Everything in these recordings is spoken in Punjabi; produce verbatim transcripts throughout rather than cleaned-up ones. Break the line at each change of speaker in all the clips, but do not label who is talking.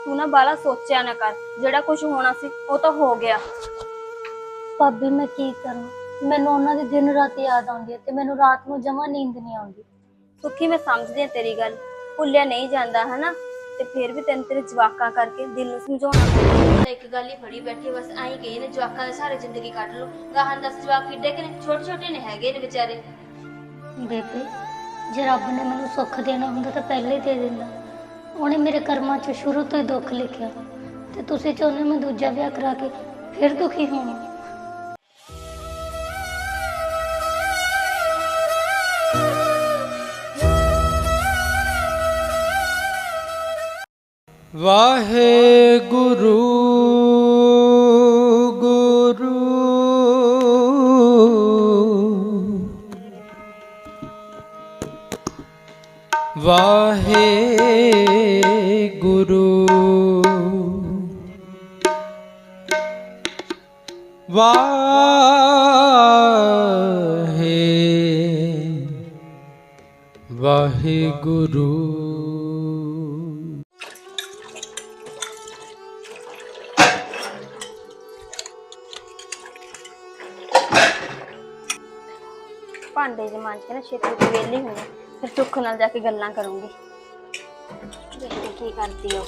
तू ना बाला सोचा ना कर, जेड़ा कुछ होना सी वो तो हो गया।
ਭਾਬੀ ਮੈਂ ਕੀ ਕਰਾਂ, ਮੈਨੂੰ ਉਹਨਾਂ ਦੀ ਦਿਨ ਰਾਤ ਯਾਦ ਆਉਂਦੀ ਹੈ ਤੇ ਮੈਨੂੰ ਰਾਤ ਨੂੰ ਜਮਾਂ ਨੀਂਦ ਨਹੀਂ ਆਉਂਦੀ।
सुखी मैं समझदी तेरी गल, भुलिया नहीं जाता है ना, ते फिर भी तेन तेरे जवाका करके दिल नूं समझाउणा पैंदा। एक गल ही फड़ी बैठी बस आई कही ने जवाकां दे सारे जिंदगी कट लो, गाहां दस जवाक किड्डे कि ने छोटे छोटे ने हैगे ने बेचारे।
ਬੇਬੇ ਜੇ ਰੱਬ ਨੇ ਮੈਨੂੰ ਸੁੱਖ ਦੇਣਾ ਹੁੰਦਾ ਤਾਂ ਪਹਿਲੇ ਹੀ ਦੇ ਦਿੰਦਾ। ਉਹਨੇ ਮੇਰੇ ਕਰਮਾਂ 'ਚ ਸ਼ੁਰੂ ਤੋਂ ਹੀ ਦੁੱਖ ਲਿਖਿਆ ਤੇ ਤੁਸੀਂ ਚਾਹੁੰਦੇ ਮੈਂ ਦੂਜਾ ਵਿਆਹ ਕਰਾ ਕੇ ਫਿਰ ਦੁਖੀ ਹੋਵਾਂ।
ਵਾਹਿਗੁਰੂ ਗੁਰੂ ਵਾਹਿਗੁਰੂ ਵਾਹੇ ਵਾਹਿਗੁਰੂ।
भांडे च मांज के ना छेती छेती वेली होनी, फिर सुख नाल जाके गल्लां करूंगी। देखते की करती है वो।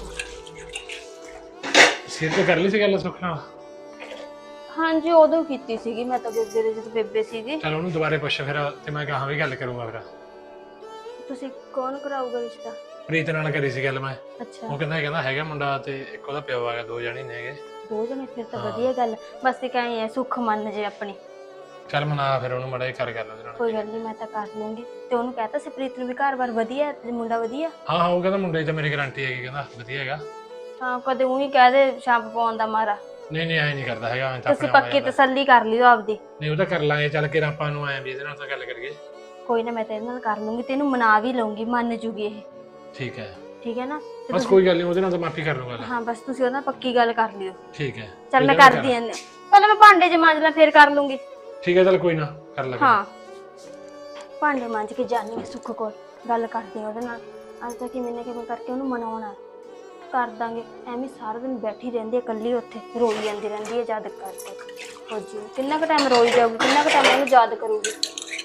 सिर तो कर ली सी गल सुख नाल?
हाँ जी उदों कीती सीगी मैं तो बेबे दे जद बेबे सीगी।
चल ओनू दोबारे पुछ फिर ते मैं कहा भी गल करूंगा फिर।
तुसी कौन कराऊगा रिश्ता?
प्रीत नाल करी सी गल मैं।
अच्छा
वो कहंदा कहंदा हैगा मुंडा ते एक ओदा पिओ आ गया, दो जणे ने हैगे।
दो जने फिर तो वधिया गल, बस एक ऐ है सुख मन जे अपनी।
चल मना फिर ओनू मड़ा कर गल ओदे नाल।
कोई गल नहीं मैं तो कर लूंगी। ते ओनू कहता सी प्रीत नू भी घर-बार वधिया है ते मुंडा वधिया।
हां हां वो कहंदा मुंडे ते मेरी गारंटी हैगी, कहंदा वधिया हैगा।
हां कदे ऊं ही कह दे छंप पाउण दा मारा।
नहीं नहीं ऐ नहीं करदा हैगा।
तुसी पक्की तसल्ली कर लियो आपदी।
नहीं वो तो कर लांगे, चल के ਆਪਾਂ ਨੂੰ ਆਏ ਵੀ ਇਹਦੇ ਨਾਲ ਤਾਂ ਗੱਲ ਕਰੀਏ।
कोई ना मैं तेरे नाल कर लूंगी, तेनू मना भी लूंगी, मान जूगी ये।
ठीक है
ठीक है ना? ते
बस
तुसी-
कोई गल नहीं, ਉਹਦੇ ਨਾਲ ਤਾਂ ਮਾਫੀ कर लूंगा।
हाँ बस तुसी ओदा पक्की गल कर लियो।
ठीक है
चल मैं कर दी ऐने पहले मैं भांडे च मांज ला फिर कर लूंगी।
ठीक है चल कोई ना कर ले।
हाँ भांडे मांज के जानी है सुख कोल, गल करदी ओदे नाल अज तक किवें ना किवें करके ओनू मनाउणा कर दांगे। एवें सारा दिन बैठी रहिंदी है कल्ली उत्थे, रोई जांदी रहिंदी है याद करके। हो जी किन्ना क टाइम रोई जाऊगी, किन्ना क टाइम ओनू याद करूगी।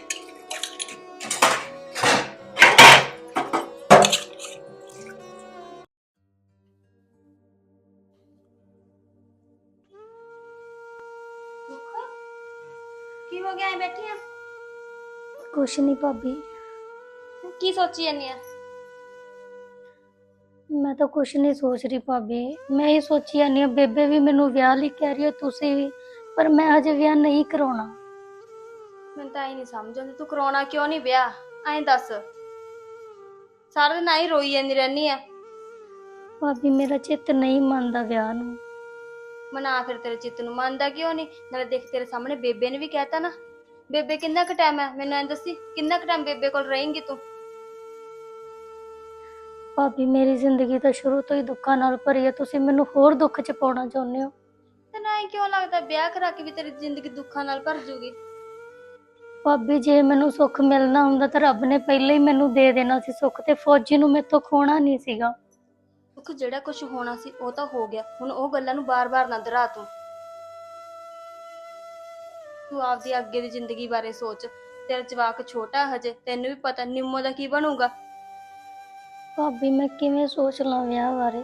की हो गया है बैठी है?
ਕੁਛ ਨਹੀਂ ਭਾਬੀ,
की सोची जानी है?
ਮੈਂ ਤਾਂ ਕੁਛ ਨਹੀਂ ਸੋਚ ਰਹੀ ਭਾਬੀ। ਮੈਂ ਇਹ ਸੋਚੀ ਜਾਂਦੀ ਹਾਂ ਬੇਬੇ ਵੀ ਮੈਨੂੰ ਵਿਆਹ ਲਈ ਕਹਿ ਰਹੀ ਹੈ, ਤੁਸੀਂ ਵੀ, ਪਰ ਮੈਂ ਹਜੇ ਵਿਆਹ ਨਹੀਂ ਕਰਾਉਣਾ।
मैं तो आई नहीं समझ आती तू कराउणा क्यों नहीं ब्याह, ऐं दस। सारा दिन आई रोई जांदी रहनी है।
ਭਾਬੀ ਮੇਰਾ ਚਿੱਤ ਨਹੀਂ ਮੰਨਦਾ ਵਿਆਹ ਨੂੰ।
मना फिर तेरे चित्त नूं मनदा क्यों नहीं? नाले देख तेरे सामने बेबे ने भी कहता ना, बेबे किन्ना क टाइम है मैनूं ऐं दसी, किन्ना क टाइम बेबे कोल रहेंगी तू?
ਭਾਬੀ ਮੇਰੀ ਜ਼ਿੰਦਗੀ ਤਾਂ ਸ਼ੁਰੂ ਤੋਂ ਹੀ ਦੁੱਖਾਂ ਨਾਲ ਭਰੀ ਹੈ, ਤੁਸੀਂ ਮੈਨੂੰ ਹੋਰ ਦੁੱਖ 'ਚ ਪਾਉਣਾ ਚਾਹੁੰਦੇ ਹੋ।
ਤੇ ਨਾ ਹੀ ਕਿਉਂ ਲੱਗਦਾ ਵਿਆਹ ਕਰਾ ਕੇ ਵੀ ਤੇਰੀ ਜ਼ਿੰਦਗੀ ਦੁੱਖਾਂ ਨਾਲ ਭਰ ਜੂਗੀ?
ਭਾਬੀ ਜੇ ਮੈਨੂੰ ਸੁੱਖ ਮਿਲਣਾ ਹੁੰਦਾ ਤਾਂ ਰੱਬ ਨੇ ਪਹਿਲਾਂ ਹੀ ਮੈਨੂੰ ਦੇ ਦੇਣਾ ਸੀ ਸੁੱਖ, ਤੇ ਫੌਜੀ ਨੂੰ ਮੇਰੇ ਤੋਂ ਖੋਣਾ ਨਹੀਂ ਸੀਗਾ।
ਦੁੱਖ ਜਿਹੜਾ ਕੁਝ ਹੋਣਾ ਸੀ ਉਹ ਤਾਂ ਹੋ ਗਿਆ, ਹੁਣ ਉਹ ਗੱਲਾਂ ਨੂੰ ਬਾਰ-ਬਾਰ ਨਾ ਦੁਹਰਾ ਤੂੰ। ਤੂੰ ਆਪਦੀ ਅੱਗੇ ਦੀ ਜ਼ਿੰਦਗੀ ਬਾਰੇ ਸੋਚ, ਤੇਰਾ ਜਵਾਕ ਛੋਟਾ ਹਜੇ, ਤੈਨੂੰ ਵੀ ਪਤਾ ਨਿੰਮੋ ਦਾ ਕੀ ਬਣੂਗਾ।
ਭਾਬੀ ਮੈਂ ਕਿਵੇਂ ਸੋਚ ਲਾਂ ਵਿਆਹ ਬਾਰੇ?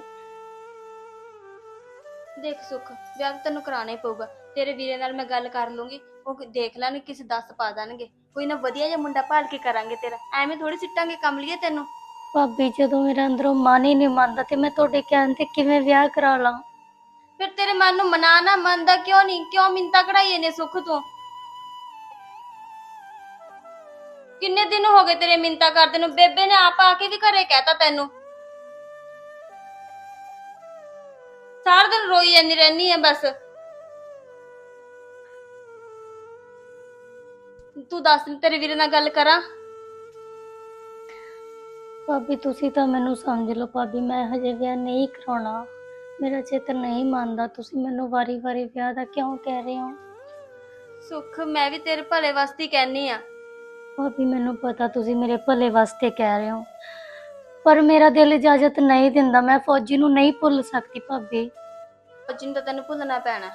ਦੇਖ ਸੁੱਖ ਵਿਆਹ ਤਾਂ ਤੈਨੂੰ ਕਰਾਉਣਾ ਹੀ ਪਊਗਾ। ਤੇਰੇ ਵੀਰੇ ਨਾਲ ਮੈਂ ਗੱਲ ਕਰ ਲੂੰਗੀ, ਉਹ ਦੇਖ ਲੈਣ ਕਿਸੇ ਦੱਸ ਪਾ ਦੇਣਗੇ, ਕੋਈ ਨਾ ਵਧੀਆ ਜਿਹਾ ਮੁੰਡਾ ਭਾਲ ਕੇ ਕਰਾਂਗੇ ਤੇਰਾ। ਐਵੇਂ ਥੋੜੀ ਸਿੱਟਾਂਗੇ ਕਮਲੀਏ ਤੈਨੂੰ।
ਭਾਬੀ ਜਦੋਂ ਮੇਰੇ ਅੰਦਰੋਂ ਮਨ ਹੀ ਨਹੀਂ ਮੰਨਦਾ ਤੇ ਮੈਂ ਤੁਹਾਡੇ ਕਹਿਣ ਤੇ ਕਿਵੇਂ ਵਿਆਹ ਕਰਾ ਲਾਂ?
ਫਿਰ ਤੇਰੇ ਮਨ ਨੂੰ ਮਨਾ ਨਾ, ਮੰਨਦਾ ਕਿਉਂ ਨਹੀਂ? ਕਿਉਂ ਮਿੰਤਾ ਕਢਾਈਏ ਨੇ ਸੁੱਖ ਤੋਂ? ਕਿੰਨੇ ਦਿਨ ਹੋ ਗਏ ਤੇਰੇ ਮਿੰਤਾ ਕਰਦੇ ਨੂੰ? ਬੇਬੇ ਨੇ ਆਪ ਆ ਕੇ ਵੀ ਘਰੇ ਕਹਿਤਾ ਤੈਨੂੰ। ਸਾਰਾ ਦਿਨ ਰੋਈ ਜਾਂਦੀ ਰਹਿਨੀ ਹੈ ਬਸ। ਤੂੰ ਦੱਸ ਤੇਰੇ ਵੀਰੇ ਨਾਲ ਗੱਲ ਕਰਾਂ?
ਭਾਬੀ ਤੁਸੀਂ ਤਾਂ ਮੈਨੂੰ ਸਮਝ ਲਓ ਭਾਬੀ, ਮੈਂ ਹਜੇ ਵਿਆਹ ਨਹੀਂ ਕਰਾਉਣਾ। ਮੇਰਾ ਚਿੱਤ ਨਹੀਂ ਮੰਨਦਾ, ਤੁਸੀਂ ਮੈਨੂੰ ਵਾਰੀ ਵਾਰੀ ਵਿਆਹ ਦਾ ਕਿਉਂ ਕਹਿ ਰਹੇ ਹੋ?
ਸੁੱਖ ਮੈਂ ਵੀ ਤੇਰੇ ਭਲੇ ਵਾਸਤੇ ਹੀ ਕਹਿਨੀ ਆ।
ਭਾਬੀ ਮੈਨੂੰ ਪਤਾ ਤੁਸੀਂ ਮੇਰੇ ਭਲੇ ਵਾਸਤੇ ਕਹਿ ਰਹੇ ਹੋ, ਪਰ ਮੇਰਾ ਦਿਲ ਇਜਾਜ਼ਤ ਨਹੀਂ ਦਿੰਦਾ। ਮੈਂ ਫੌਜੀ ਨੂੰ ਨਹੀਂ ਭੁੱਲ ਸਕਦੀ ਭਾਬੀ।
ਫੌਜੀ ਨੂੰ ਤਾਂ ਤੈਨੂੰ ਭੁੱਲਣਾ ਪੈਣਾ।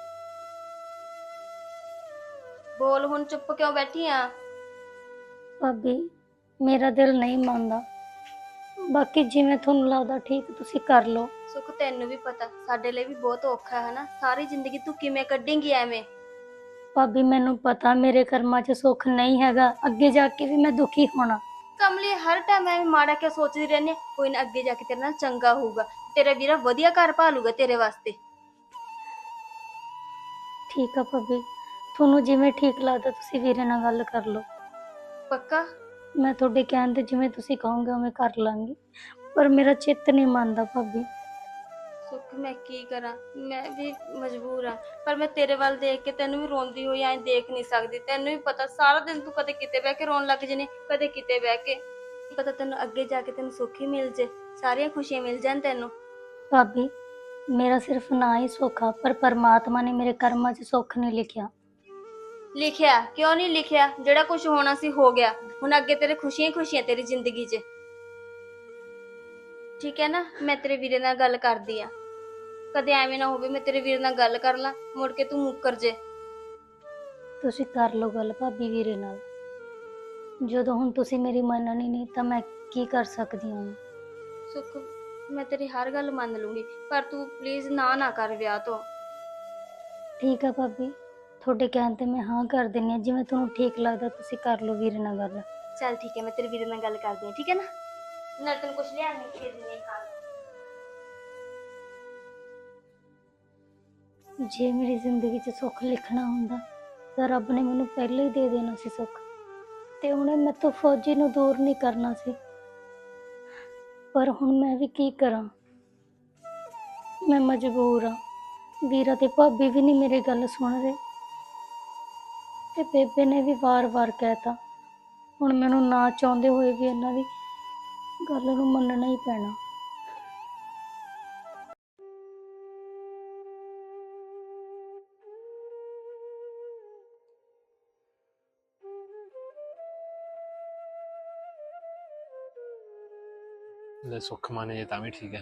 ਬੋਲ ਹੁਣ, ਚੁੱਪ ਕਿਉਂ ਬੈਠੀ ਆ?
ਭਾਬੀ ਮੇਰਾ ਦਿਲ ਨਹੀਂ ਮੰਨਦਾ, ਬਾਕੀ ਜਿਵੇਂ ਤੁਹਾਨੂੰ ਲੱਗਦਾ ਠੀਕ ਤੁਸੀਂ ਕਰ ਲਓ।
ਸੁੱਖ ਤੈਨੂੰ ਵੀ ਪਤਾ ਸਾਡੇ ਲਈ ਵੀ ਬਹੁਤ ਔਖਾ ਹੈ ਨਾ। ਸਾਰੀ ਜ਼ਿੰਦਗੀ ਤੂੰ ਕਿਵੇਂ ਕੱਢੇਂਗੀ ਐਵੇਂ?
ਭਾਬੀ ਮੈਨੂੰ ਪਤਾ ਮੇਰੇ ਕਰਮਾਂ 'ਚ ਸੁੱਖ ਨਹੀਂ ਹੈਗਾ, ਅੱਗੇ ਜਾ ਕੇ ਵੀ ਮੈਂ ਦੁਖੀ ਹੋਣਾ।
ਕਮਲੀ ਹਰ ਟਾਈਮ ਐਵੇਂ ਮਾੜਾ ਕਿਉਂ ਸੋਚਦੀ ਰਹਿੰਦੀ ਹੈ? ਕੋਈ ਨਾ ਅੱਗੇ ਜਾ ਕੇ ਤੇਰੇ ਨਾਲ ਚੰਗਾ ਹੋਊਗਾ। ਤੇਰਾ ਵੀਰਾ ਵਧੀਆ ਘਰ ਭਾਲੂਗਾ ਤੇਰੇ ਵਾਸਤੇ।
ਠੀਕ ਆ ਭਾਬੀ, ਤੁਹਾਨੂੰ ਜਿਵੇਂ ਠੀਕ ਲੱਗਦਾ ਤੁਸੀਂ ਵੀਰੇ ਨਾਲ ਗੱਲ ਕਰ ਲਓ।
ਪੱਕਾ?
ਮੈਂ ਤੁਹਾਡੇ ਕਹਿਣ ਤੇ ਜਿਵੇਂ ਤੁਸੀਂ ਕਹੋਗੇ ਉਵੇਂ ਕਰ ਲਾਂਗੀ, ਪਰ ਮੇਰਾ ਚਿੱਤ ਨਹੀਂ ਮੰਨਦਾ ਭਾਬੀ।
ਸੁੱਖ ਮੈਂ ਕੀ ਕਰਾਂ, ਮੈਂ ਵੀ ਮਜਬੂਰ ਆ। ਪਰ ਮੈਂ ਤੇਰੇ ਵੱਲ ਦੇਖ ਕੇ ਤੈਨੂੰ ਵੀ ਰੋਂਦੀ ਹੋਈ ਐਂ ਦੇਖ ਨਹੀਂ ਸਕਦੀ। ਤੈਨੂੰ ਵੀ ਪਤਾ ਸਾਰਾ ਦਿਨ ਤੂੰ ਕਦੇ ਕਿਤੇ ਬਹਿ ਕੇ ਰੋਣ ਲੱਗ ਜਨੇ, ਕਦੇ ਕਿਤੇ ਬਹਿ ਕੇ। ਪਤਾ ਤੈਨੂੰ ਅੱਗੇ ਜਾ ਕੇ ਤੈਨੂੰ ਸੁੱਖ ਹੀ ਮਿਲ ਜੇ, ਸਾਰੀਆਂ ਖੁਸ਼ੀਆਂ ਮਿਲ ਜਾਣ ਤੈਨੂੰ।
ਭਾਬੀ ਮੇਰਾ ਸਿਰਫ ਨਾ ਹੀ ਸੁੱਖ ਆ, ਪਰ ਪਰਮਾਤਮਾ ਨੇ ਮੇਰੇ ਕਰਮਾਂ 'ਚ ਸੁੱਖ ਨਹੀਂ ਲਿਖਿਆ।
ਲਿਖਿਆ ਕਿਉਂ ਨਹੀਂ ਲਿਖਿਆ? ਜਿਹੜਾ ਕੁਝ ਹੋਣਾ ਸੀ ਹੋ ਗਿਆ। ਹੁਣ ਅੱਗੇ ਤੇਰੇ ਖੁਸ਼ੀਆਂ ਹੀ ਖੁਸ਼ੀਆਂ ਤੇਰੀ ਜ਼ਿੰਦਗੀ 'ਚ। ਠੀਕ ਹੈ ਨਾ? ਮੈਂ ਤੇਰੇ ਵੀਰੇ ਨਾਲ ਗੱਲ ਕਰਦੀ ਆ। ਕਦੇ ਐਵੇਂ ਨਾ ਹੋਵੇ ਮੈਂ ਤੇਰੇ ਵੀਰੇ ਨਾਲ ਗੱਲ ਕਰ ਲਾਂ, ਮੁੜ ਕੇ ਤੂੰ ਮੁੱਕਰ ਜੇ।
ਤੁਸੀਂ ਕਰ ਲਓ ਗੱਲ ਭਾਬੀ ਵੀਰੇ ਨਾਲ। ਜਦੋਂ ਹੁਣ ਤੁਸੀਂ ਮੇਰੀ ਮੰਨਣੀ ਨਹੀਂ ਤਾਂ ਮੈਂ ਕੀ ਕਰ ਸਕਦੀ ਹਾਂ?
ਸੁੱਖ ਮੈਂ ਤੇਰੀ ਹਰ ਗੱਲ ਮੰਨ ਲੂੰਗੀ, ਪਰ ਤੂੰ ਪਲੀਜ਼ ਨਾ ਨਾ ਕਰ ਵਿਆਹ ਤੋਂ।
ਠੀਕ ਆ ਭਾਬੀ, ਤੁਹਾਡੇ ਕਹਿਣ ਤੇ ਮੈਂ ਹਾਂ ਕਰ ਦਿੰਦੀ ਹਾਂ। ਜਿਵੇਂ ਤੁਹਾਨੂੰ ਠੀਕ ਲੱਗਦਾ ਤੁਸੀਂ ਕਰ ਲਓ ਵੀਰੇ ਨਾਲ ਗੱਲ।
ਚੱਲ ਠੀਕ ਹੈ, ਮੈਂ ਤੇਰੇ ਵੀਰੇ ਨਾਲ ਗੱਲ ਕਰਦੀ ਹਾਂ, ਠੀਕ ਹੈ ਨਾ? ਨਾ ਤੈਨੂੰ ਕੁਝ ਲਿਆ ਨਹੀਂ ਖੇਡ ਨਹੀਂ ਖਾ।
ਜੇ ਮੇਰੀ ਜ਼ਿੰਦਗੀ 'ਚ ਸੁੱਖ ਲਿਖਣਾ ਹੁੰਦਾ ਤਾਂ ਰੱਬ ਨੇ ਮੈਨੂੰ ਪਹਿਲਾਂ ਹੀ ਦੇ ਦੇਣਾ ਸੀ ਸੁੱਖ, ਤੇ ਉਹਨੇ ਮੈਥੋਂ ਫੌਜੀ ਨੂੰ ਦੂਰ ਨਹੀਂ ਕਰਨਾ ਸੀ। ਪਰ ਹੁਣ ਮੈਂ ਵੀ ਕੀ ਕਰਾਂ, ਮੈਂ ਮਜਬੂਰ ਆ। ਵੀਰਾ ਤੇ ਭਾਬੀ ਵੀ ਨਹੀਂ ਮੇਰੀ ਗੱਲ ਸੁਣ ਰਹੇ, ਤੇ ਬੇਬੇ ਨੇ ਵੀ ਵਾਰ-ਵਾਰ ਕਹਿਤਾ। ਹੁਣ ਮੈਨੂੰ ਨਾ ਚਾਹੁੰਦੇ ਹੋਏ ਵੀ ਇਹਨਾਂ ਦੀ ਗੱਲ ਨੂੰ ਮੰਨਣਾ ਹੀ ਪੈਣਾ।
ਲੈ ਸੁੱਖ ਮਾਨੇ ਜੇ ਤਾਂ ਵੀ ਠੀਕ ਹੈ।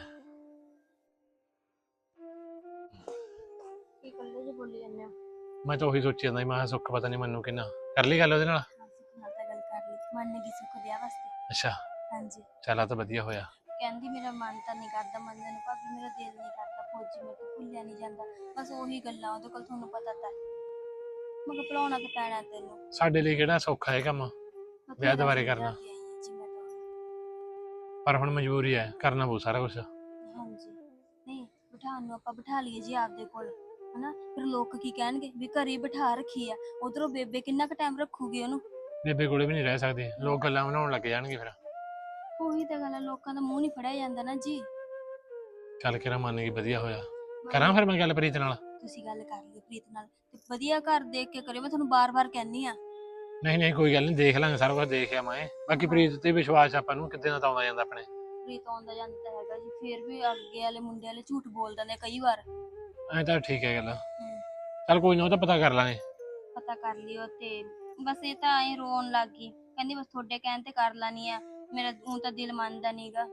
ਕੀ ਕੱਲੇ ਜੇ ਬੋਲੀ ਜਾਂਦੇ ਹੋ?
ਮੈਂ ਤਾਂ ਉਹੀ ਸੋਚੀ ਜਾਂਦਾ ਸੀ, ਮੈਂ ਕਿਹਾ ਸੁੱਖ ਪਤਾ ਨਹੀਂ ਮੈਨੂੰ ਕਿੰਨਾ ਕਰ ਲਈ ਗੱਲ ਉਹਦੇ ਨਾਲ।
ਹਾਂ ਸੁੱਖ ਨਾਲ ਤਾਂ ਗੱਲ ਕਰ ਲਈ, ਮੰਨ ਗਈ ਸੁੱਖ ਵਿਆਹ ਵਾਸਤੇ।
ਅੱਛਾ
ਹਾਂਜੀ,
ਚੱਲ ਆ ਤਾਂ ਵਧੀਆ ਹੋਇਆ।
ਕਹਿੰਦੀ ਮੇਰਾ ਮਨ ਤਾਂ ਨਹੀਂ ਕਰਦਾ ਮੰਨਣ ਨੂੰ ਭਾਬੀ, ਮੇਰਾ ਦਿਲ ਨਹੀਂ ਕਰਦਾ ਫੌਜੀ ਮੇਰੇ ਤੋਂ ਭੁੱਲਿਆ ਨਹੀਂ ਜਾਂਦਾ। ਬਸ ਉਹੀ ਗੱਲਾਂ ਉਹਦੇ ਕੋਲ, ਤੁਹਾਨੂੰ ਪਤਾ ਤਾਂ ਮੈਂ ਕਿਹਾ ਭੁਲਾਉਣਾ ਤਾਂ ਪੈਣਾ ਤੈਨੂੰ।
ਸਾਡੇ ਲਈ ਕਿਹੜਾ ਸੌਖਾ ਹੈ ਕੰਮ ਵਿਆਹ ਦੁਬਾਰੇ ਕਰਨਾ,
ਜੀ ਮੈਂ ਤਾਂ
ਪਰ ਹੁਣ ਮਜਬੂਰੀ ਹੈ, ਕਰਨਾ ਪਊ ਸਾਰਾ ਕੁਝ।
ਹਾਂਜੀ ਨਹੀਂ ਬਿਠਾਉਣ ਨੂੰ ਆਪਾਂ ਬਿਠਾ ਲਈਏ ਜੀ ਆਪਦੇ ਕੋਲ, ਹਨਾ? ਫਿਰ ਲੋਕ ਕੀ ਕਹਿਣਗੇ ਵੀ ਘਰੇ ਬਿਠਾ ਰੱਖੀ ਆ। ਉਧਰੋਂ ਬੇਬੇ ਕਿੰਨਾ ਕੁ ਟਾਈਮ ਰੱਖੂਗੀ ਉਹਨੂੰ?
ਬੇਬੇ ਕੋਲੇ ਵੀ ਨਹੀਂ ਰਹਿ ਸਕਦੀ, ਲੋਕ ਗੱਲਾਂ ਬਣਾਉਣ ਲੱਗ ਜਾਣਗੇ ਫਿਰ।
ਉਹੀ ਤਾਂ ਗੱਲ ਹੈ, ਲੋਕਾਂ ਦਾ ਮੂੰਹ ਨਹੀਂ ਫੜਿਆ ਜਾਂਦਾ ਨਾ ਜੀ।
ਚੱਲ ਕਿਹੜਾ ਮੰਨ ਗਈ, ਵਧੀਆ ਹੋਇਆ। ਕਰਾਂ ਫਿਰ ਮੈਂ ਗੱਲ ਪ੍ਰੀਤ ਨਾਲ?
ਤੁਸੀਂ ਗੱਲ ਕਰ ਲਈ ਪ੍ਰੀਤ ਨਾਲ, ਤੇ ਵਧੀਆ ਘਰ ਦੇਖ ਕੇ ਕਰਿਓ, ਮੈਂ ਤੁਹਾਨੂੰ ਬਾਰ-ਬਾਰ ਕਹਿੰਨੀ ਆ।
ਨਹੀਂ ਨਹੀਂ ਕੋਈ ਗੱਲ ਨਹੀਂ, ਦੇਖ ਲਾਂਗੇ ਸਾਰਾ ਕੁਝ, ਦੇਖਿਆ ਮੈਂ। ਬਾਕੀ ਪ੍ਰੀਤ ਤੇ ਵਿਸ਼ਵਾਸ ਆਪਾਂ ਨੂੰ ਕਿੱਦਾਂ ਦਾ ਆਉਂਦਾ ਜਾਂਦਾ ਆਪਣੇ।
ਪ੍ਰੀਤ ਆਉਂਦਾ ਜਾਂਦਾ ਤਾਂ ਹੈਗਾ ਜੀ, ਫਿਰ ਵੀ ਅੱਗੇ ਵਾਲੇ ਮੁੰਡੇ ਵਾਲੇ ਝੂਠ ਬੋਲ ਦਿੰਦੇ ਕਈ ਵਾਰ।
ਐਂ ਤਾਂ ਠੀਕ ਹੈ ਗੱਲ।
ਹੂੰ,
ਚੱਲ ਕੋਈ ਨਾ, ਉਹ ਤਾਂ ਪਤਾ ਕਰ ਲਾਂਗੇ।
ਪਤਾ ਕਰ ਲਿਓ। ਤੇ ਬਸ ਇਹ ਤਾਂ ਐਂ ਰੋਣ ਲੱਗ ਗਈ, ਕਹਿੰਦੀ ਬਸ ਤੁਹਾਡੇ ਕਹਿਣ ਤੇ ਕਰ ਲਾਨੀ ਆ, ਮੇਰਾ ਊਂ ਤਾਂ ਦਿਲ ਮੰਨਦਾ ਨਹੀਂਗਾ।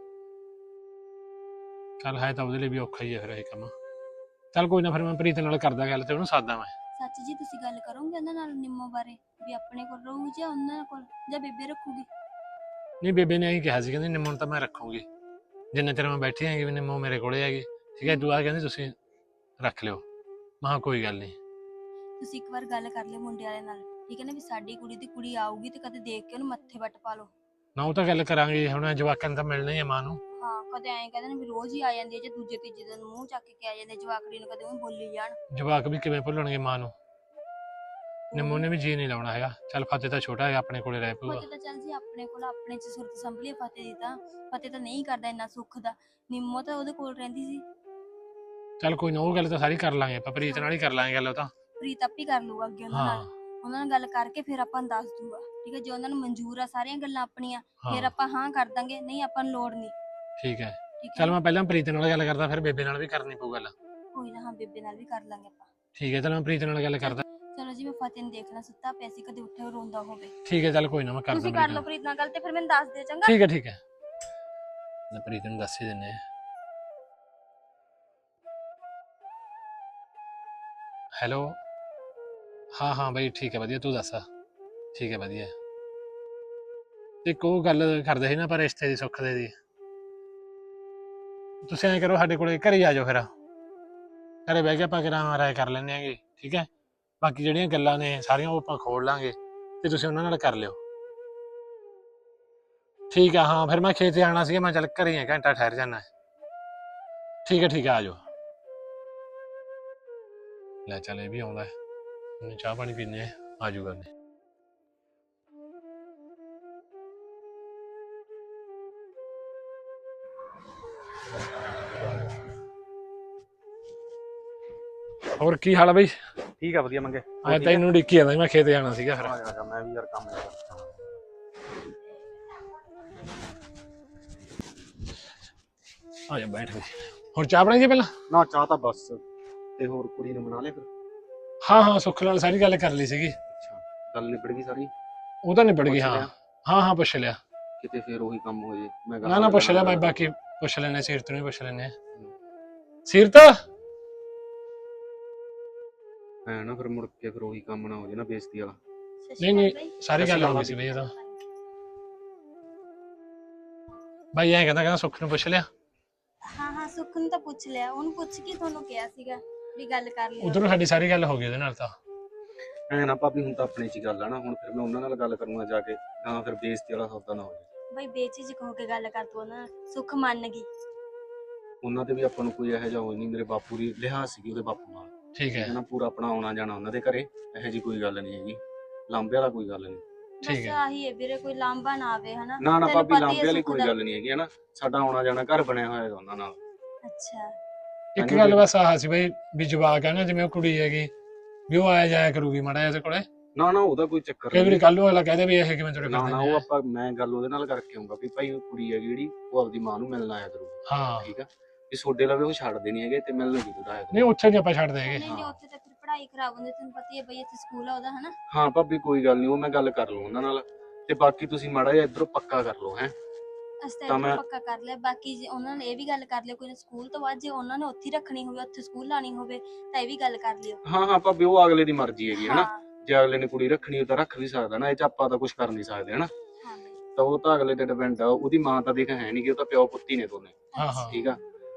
ਚੱਲ ਹੈ ਤਾਂ ਉਹਦੇ ਲਈ ਵੀ ਔਖਾ ਹੀ ਹੈ ਫਿਰ ਇਹ ਕੰਮ। ਚੱਲ ਕੋਈ ਨਾ, ਫਿਰ ਮੈਂ ਪ੍ਰੀਤ ਨਾਲ ਕਰਦਾ ਗੱਲ ਤੇ ਉਹਨੂੰ ਸਾਦਾ ਮੈਂ।
ਸੱਚ ਜੀ ਤੁਸੀਂ ਗੱਲ ਕਰੋਗੇ ਉਹਨਾਂ ਨਾਲ ਨਿੰਮੋ ਬਾਰੇ, ਵੀ ਆਪਣੇ ਕੋਲ ਰਹੂ ਜਾਂ ਉਹਨਾਂ ਕੋਲ, ਜਾਂ ਬੇਬੇ ਰੱਖੂਗੀ?
ਨਹੀਂ ਬੇਬੇ ਨੇ ਇਹੀ ਕਿਹਾ ਸੀ, ਕਹਿੰਦੀ ਨਿੰਮੋ ਨੂੰ ਤਾਂ ਮੈਂ ਰੱਖੂਗੀ ਜਿੰਨੇ ਚਿਰ ਮੈਂ ਬੈਠੀ ਹੈਗੀ, ਵੀ ਨਿੰਮੋ ਮੇਰੇ ਕੋਲੇ ਹੈਗੀ। ਠੀਕ ਹੈ, ਦੁਆ ਕਹਿੰਦੀ ਤੁਸੀਂ ਰੱਖ ਲਿਓ। ਮੈਂ ਕਿਹਾ ਕੋਈ ਗੱਲ ਨਹੀਂ।
ਤੁਸੀਂ ਇੱਕ ਵਾਰ ਗੱਲ ਕਰ ਲਿਓ ਮੁੰਡੇ ਵਾਲੇ ਨਾਲ, ਠੀਕ ਹੈ ਨਾ? ਵੀ ਸਾਡੀ ਕੁੜੀ ਦੀ ਕੁੜੀ ਆਊਗੀ ਤੇ ਕਦੇ ਦੇਖ ਕੇ ਉਹਨੂੰ ਮੱਥੇ ਵੱਟ ਪਾ ਲਓ।
ਨਾ ਉਹ ਤਾਂ ਗੱਲ ਕਰਾਂਗੇ, ਹੁਣ ਜਵਾਕਾਂ ਨੂੰ ਤਾਂ ਮਿਲਣਾ ਹੀ ਆ ਮਾਂ ਨੂੰ।
ਹਾਂ, ਕਦੇ ਐਂ ਕਹਿੰਦੇ ਨੇ ਵੀ ਰੋਜ਼ ਹੀ ਆ ਜਾਂਦੀ ਹੈ, ਜੇ ਦੂਜੇ ਤੀਜੇ ਦਿਨ ਮੂੰਹ ਚੱਕ ਕੇ ਆ ਜਾਂਦੇ ਜਵਾਕੜੀ ਨੂੰ, ਕਦੇ ਉਹ ਬੋਲੀ ਜਾਣ।
ਜਵਾਕ ਵੀ ਕਿਵੇਂ ਭੁੱਲਣਗੇ ਮਾਂ ਨੂੰ? ਨਿੰਮੋ ਨੇ ਵੀ ਜੀ ਨਹੀਂ ਲਾਉਣਾ ਹੈਗਾ। ਚੱਲ ਫਤਿਹ ਤਾਂ ਛੋਟਾ ਹੈਗਾ, ਆਪਣੇ ਕੋਲੇ ਰਹਿ ਪਊਗਾ।
ਫਤਿਹ ਤਾਂ ਚੱਲ ਜੀ ਆਪਣੇ ਕੋਲ, ਆਪਣੇ ਚ ਸੁਰਤ ਸੰਭਲੀ ਫਤਿਹ ਦੀ ਤਾਂ। ਫਤਿਹ ਤਾਂ ਨਹੀਂ ਕਰਦਾ ਇੰਨਾ ਸੁੱਖ ਦਾ, ਨਿੰਮੋ ਤਾਂ ਉਹਦੇ ਕੋਲ ਰਹਿੰਦੀ ਸੀ।
ਚੱਲ ਕੋਈ ਨਾ, ਉਹ ਗੱਲ ਤਾਂ ਸਾਰੀ ਕਰ ਲਾਂਗੇ ਆਪਾਂ, ਪ੍ਰੀਤ ਨਾਲ ਹੀ ਕਰ ਲਾਂਗੇ ਗੱਲ। ਉਹ ਤਾਂ
ਪ੍ਰੀਤ ਆਪੀ ਕਰ ਲੂਗਾ ਅੱਗੇ ਉਹਨਾਂ ਨਾਲ, ਉਹਨਾਂ ਨਾਲ ਗੱਲ ਕਰਕੇ ਫਿਰ ਆਪਾਂ ਨੂੰ ਦੱਸ ਦੂਗਾ। ਠੀਕ ਹੈ, ਜੇ ਉਹਨਾਂ ਨੂੰ ਮਨਜ਼ੂਰ ਆ ਸਾਰੀਆਂ ਗੱਲਾਂ ਆਪਣੀਆਂ, ਫਿਰ ਆਪਾਂ ਹਾਂ ਕਰ ਦਾਂਗੇ, ਨਹੀਂ ਆਪਾਂ ਨੂੰ ਲੋੜ ਨਹੀਂ।
ਠੀਕ ਹੈ,
ਠੀਕ
ਚੱਲ
ਹੈ,
ਮੈਂ ਪਹਿਲਾਂ ਪ੍ਰੀਤ ਨਾਲ ਗੱਲ ਕਰਦਾ, ਫਿਰ ਬੇਬੇ ਨਾਲ ਵੀ ਕਰਨੀ ਪਊ ਗੱਲ।
ਕੋਈ ਨਾ, ਹਾਂ ਬੇਬੇ ਨਾਲ ਵੀ ਕਰ ਲਾਂਗੇ ਆਪਾਂ।
ਠੀਕ ਹੈ, ਚੱਲ ਮੈਂ ਪ੍ਰੀਤ ਨਾਲ ਗੱਲ ਕਰਦਾ।
ਚਲੋ ਜੀ, ਮੈਂ ਫਤਿਹ ਨੂੰ ਦੇਖਣਾ, ਸੁੱਤਾ ਪਿਆ ਸੀ, ਕਦੇ ਉੱਠੇ ਰੋਂਦਾ ਹੋਵੇ।
ਠੀਕ ਹੈ, ਚੱਲ ਕੋਈ ਨਾ, ਮੈਂ ਕਰਦਾ।
ਤੁਸੀਂ ਕਰ ਲਓ ਪ੍ਰੀਤ ਨਾਲ ਗੱਲ ਤੇ ਫਿਰ ਮੈਨੂੰ ਦੱਸ ਦਿਓ, ਚੰਗਾ?
ਠੀਕ ਹੈ ਠੀਕ ਹੈ। ਲੈ ਪ੍ਰੀਤ ਨੂੰ ਦੱਸ ਹੀ ਦਿੰਨੇ ਆ। ਹੈਲੋ, ਹਾਂ ਹਾਂ ਬਈ ਠੀਕ ਹੈ ਵਧੀਆ, ਤੂੰ ਦੱਸ। ਠੀਕ ਹੈ ਵਧੀਆ। ਇੱਕ ਉਹ ਗੱਲ ਕਰਦੇ ਸੀ ਨਾ ਪਰ ਰਿਸ਼ਤੇ ਦੀ ਸੁੱਖ ਦੇ ਦੀ, ਤੁਸੀਂ ਐਂ ਕਰੋ ਸਾਡੇ ਕੋਲੇ ਘਰੇ ਆ ਜਾਓ, ਫਿਰ ਘਰੇ ਬਹਿ ਕੇ ਆਪਾਂ ਕਿਹੜਾ ਰਾਏ ਕਰ ਲੈਂਦੇ ਆਂਗੇ, ਠੀਕ ਹੈ। ਬਾਕੀ ਜਿਹੜੀਆਂ ਗੱਲਾਂ ਨੇ ਸਾਰੀਆਂ ਉਹ ਆਪਾਂ ਖੋਲ ਲਾਂਗੇ ਤੇ ਤੁਸੀਂ ਉਹਨਾਂ ਨਾਲ ਕਰ ਲਿਓ। ਠੀਕ ਆ, ਹਾਂ ਫਿਰ ਮੈਂ ਖੇਤ ਜਾਣਾ ਸੀਗਾ, ਮੈਂ ਚੱਲ ਘਰੇ ਆ, ਘੰਟਾ ਠਹਿਰ ਜਾਣਾ। ਠੀਕ ਹੈ ਠੀਕ ਹੈ, ਆ ਜਾਓ। ਲੈ ਚੱਲ ਇਹ ਵੀ ਆਉਂਦਾ, ਹੁਣ ਚਾਹ ਪਾਣੀ ਪੀਨੇ ਆ, ਆ ਜਾਊਗਾ ਉਹਨੇ। ਹੋਰ ਕੀ ਹਾਲ ਆ ਬਈ?
ਠੀਕ ਆ ਵਧੀਆ ਮੰਗੇ।
ਮੈਂ ਤੈਨੂੰ ਡਿੱਕੀ ਜਾਂਦਾ ਸੀ, ਮੈਂ ਖੇਤ ਜਾਣਾ ਸੀਗਾ ਫਿਰ।
ਆ ਜਾ, ਮੈਂ ਵੀ ਯਾਰ ਕੰਮ ਲੱਗਾ।
ਆ ਜਾ ਬੈਠ ਬਈ। ਹੁਣ ਚਾਹ ਬਣਾਈਏ ਪਹਿਲਾਂ?
ਨਾ ਚਾਹ ਤਾਂ ਬਸ। ਤੇ ਹੋਰ ਕੁੜੀ ਨੂੰ ਬਣਾ ਲਿਆ ਫਿਰ?
ਹਾਂ ਹਾਂ ਸੁੱਖ ਨਾਲ ਸਾਰੀ ਗੱਲ ਕਰ ਲਈ ਸੀਗੀ।
ਅੱਛਾ, ਗੱਲ ਨਿਬੜ ਗਈ ਸਾਰੀ?
ਉਹ ਤਾਂ ਨਿਬੜ ਗਈ,
ਪੁੱਛ
ਹਾਂ
ਲਿਆ?
ਹਾਂ ਹਾਂ ਪੁੱਛ ਲਿਆ।
ਕਿਤੇ ਫਿਰ ਉਹੀ ਕੰਮ ਹੋ ਜੇ। ਮੈਂ
ਨਾ ਨਾ ਪੁੱਛ ਲਿਆ ਮੈਂ, ਬਾਕੀ ਪੁੱਛ ਲੈਣੇ, ਸੀਰਤ ਨੂੰ ਵੀ ਪੁੱਛ ਲੈਣੇ। ਸੀਰਤ
ਐ ਨਾ ਫਿਰ ਮੁੜ ਕੇ ਫਿਰ ਉਹੀ ਕੰਮ ਨਾ ਹੋ ਜੇ ਨਾ, ਬੇਇੱਜ਼ਤੀ ਵਾਲਾ।
ਨਹੀਂ ਨਹੀਂ ਸਾਰੀ ਗੱਲ ਹੋ ਗਈ ਸੀ ਬਈ ਇਹਦਾ। ਬਾਈ ਐਂ ਕਹਿੰਦਾ ਕਹਿੰਦਾ ਸੁੱਖ ਨੂੰ ਪੁੱਛ ਲਿਆ?
ਹਾਂ ਹਾਂ ਸੁੱਖ ਨੂੰ ਤਾਂ ਪੁੱਛ ਲਿਆ, ਉਹਨੂੰ ਪੁੱਛ ਕੇ ਤੁਹਾਨੂੰ ਕਿਹਾ ਸੀਗਾ ਵੀ ਗੱਲ ਕਰ ਲਿਓ।
ਉਧਰੋਂ ਸਾਡੀ ਸਾਰੀ ਗੱਲ ਹੋ ਗਈ ਉਹਦੇ ਨਾਲ ਤਾਂ।
ਐ ਨਾ ਭਾਬੀ, ਹੁਣ ਤਾਂ ਆਪਣੇ 'ਚ ਹੀ ਗੱਲ ਆ ਨਾ, ਹੁਣ ਫਿਰ ਮੈਂ ਉਹਨਾਂ ਨਾਲ ਗੱਲ ਕਰੂੰਗਾ ਜਾ ਕੇ, ਤਾਂ ਫਿਰ ਬੇਇੱਜ਼ਤੀ ਵਾਲਾ ਸੌਦਾ ਨਾ ਹੋ ਜੇ।
ਬਈ ਬੇਚਿਜਕ ਹੋ ਕੇ ਗੱਲ ਕਰ ਤੂੰ ਉਹਨਾਂ ਨਾਲ, ਸੁੱਖ ਮੰਨ ਗਈ।
ਉਹਨਾਂ ਤੇ ਵੀ ਆਪਾਂ ਨੂੰ ਕੋਈ ਇਹੋ ਜਿਹਾ ਹੋਈ ਨਹੀਂ, ਮੇਰੇ ਬਾਪੂ ਦੀ ਲਿਹਾਜ਼ ਸੀਗੀ ਉਹਦੇ ਬਾਪੂ ਨਾਲ,
ਠੀਕ ਹੈ
ਨਾ ਪੂਰਾ ਆਪਣਾ ਆਉਣਾ ਜਾਣਾ ਉਹਨਾਂ ਦੇ ਘਰੇ, ਇਹੋ ਜਿਹੀ ਕੋਈ ਗੱਲ ਨਹੀਂ ਹੈਗੀ, ਲਾਂਬੇ ਵਾਲਾ ਕੋਈ ਗੱਲ ਨਹੀਂ।
ਬਸ
ਠੀਕ ਹੈ।
ਆਹੀ ਹੈ ਵੀਰੇ, ਕੋਈ ਲਾਂਭਾ ਨਾ ਆਵੇ ਹਨਾ।
ਨਾ ਨਾ
ਤੈਨੂੰ
ਭਾਬੀ,
ਪਤਾ ਹੀ ਹੈ
ਲਾਂਬੇ ਵਾਲੀ
ਸੁੱਖ
ਕੋਈ
ਦਾ।
ਗੱਲ ਨਹੀਂ ਹੈਗੀ, ਹਨਾ ਸਾਡਾ ਆਉਣਾ ਜਾਣਾ ਘਰ ਬਣਿਆ ਹੋਇਆ ਹੈਗਾ ਉਹਨਾਂ ਨਾਲ।
ਅੱਛਾ,
ਇੱਕ ਗੱਲ ਬਸ ਆਹ ਸੀ ਬਈ ਵੀ ਜਵਾਕ ਆ ਨਾ, ਜਿਵੇਂ ਉਹ ਕੁੜੀ ਹੈਗੀ ਵੀ ਉਹ ਆਇਆ ਜਾਇਆ ਕਰੂਗੀ ਮਾੜਾ ਇਹਦੇ ਕੋਲੇ,
ਨਾ ਨਾ ਉਹਦਾ ਕੋਈ ਚੱਕਰ
ਕਈ ਵਾਰੀ
ਨਹੀਂ।
ਕੱਲ ਨੂੰ ਅਗਲਾ ਕਹਦੇ ਵੀ ਇਹ ਕਿਵੇਂ ਤੁਰੇ
ਨਾ
ਫਿਰਦੇ
ਨਾ
ਨੇ।
ਉਹ ਆਪਾਂ ਮੈਂ ਗੱਲ ਉਹਦੇ ਨਾਲ ਕਰਕੇ ਆਉਂਗਾ ਵੀ ਭਾਈ ਉਹ ਕੁੜੀ ਹੈ ਜਿਹੜੀ ਉਹ ਆਪਦੀ ਮਾਂ ਨੂੰ ਮਿਲਣ ਆਇਆ ਕਰੂ,
ਹਾਂ
ਠੀਕ ਆ। ਵੀ ਸੋਡੇ ਲਵੇ ਉਹ ਛੱਡਦੇ ਨਹੀਂ ਹੈਗੇ ਤੇ ਮਿਲਣ ਨਹੀਂ ਦੂਰ ਆਇਆ
ਨਹੀਂ
ਕਰੂ।
ਉੱਥੇ ਨਹੀਂ ਆਪਾਂ ਛੱਡਦੇ ਹੈਗੇ।
ਨਹੀਂ ਨਹੀਂ ਉੱਥੇ ਤਾਂ ਫਿਰ ਪੜ੍ਹਾਈ ਖਰਾਬ ਹੁੰਦੀ, ਤੈਨੂੰ ਪਤਾ ਹੀ ਹੈ ਬਈ ਇੱਥੇ ਸਕੂਲ ਆ ਉਹਦਾ ਹਨਾ।
ਹਾਂ ਭਾਬੀ ਕੋਈ ਗੱਲ ਨਹੀਂ, ਉਹ ਮੈਂ ਗੱਲ ਕਰ ਲਊ ਉਹਨਾਂ ਨਾਲ, ਤੇ ਬਾਕੀ ਤੁਸੀਂ ਮਾੜਾ ਜਿਹਾ ਇੱਧਰੋਂ ਪੱਕਾ ਕਰ ਲਓ ਹੈ।
ਅਸੀਂ ਤਾਂ
ਤਾਂ
ਇੱਧਰੋਂ
ਮੈਂ-
ਪੱਕਾ ਕਰ ਲਿਆ, ਬਾਕੀ ਜੇ ਉਹਨਾਂ ਨੇ ਇਹ ਵੀ ਗੱਲ ਕਰ ਲਿਓ ਕੋਈ ਸਕੂਲ ਤੋਂ ਬਾਅਦ ਜੇ ਉਹਨਾਂ ਨੇ ਉੱਥੇ ਹੀ ਰੱਖਣੀ ਹੋਵੇ, ਉੱਥੇ ਸਕੂਲ ਲਾਣੀ ਹੋਵੇ ਤਾਂ ਇਹ ਵੀ ਗੱਲ ਕਰ ਲਿਓ।
ਹਾਂ ਹਾਂ ਭਾਬੀ, ਉਹ ਅਗਲੇ ਦੀ ਮਰਜ਼ੀ ਹੈਗੀ ਹਨਾ,
ਹਾਂ
ਜੇ ਅਗਲੇ ਨੇ ਕੁੜੀ ਰੱਖਣੀ ਉਹ ਤਾਂ ਰੱਖ ਵੀ ਸਕਦਾ ਨਾ, ਇਹ ਚ ਆਪਾਂ ਤਾਂ ਕੁਝ ਕਰ ਨਹੀਂ ਸਕਦੇ ਹਨਾ।
ਹਾਂ ਬਈ।
ਤਾਂ ਉਹ ਤਾਂ ਅਗਲੇ ਤੇ ਡਿਪੈਂਡ ਆ, ਉਹਦੀ ਮਾਂ ਤਾਂ ਦੇਖ ਹੈ ਨਹੀਂ ਕਿ ਉਹ ਤਾਂ ਪਿਓ ਪੁੱਤੀ ਨੇ ਦੋਨੇ,
ਹਾਂ ਹਾਂ
ਠੀਕ ਆ।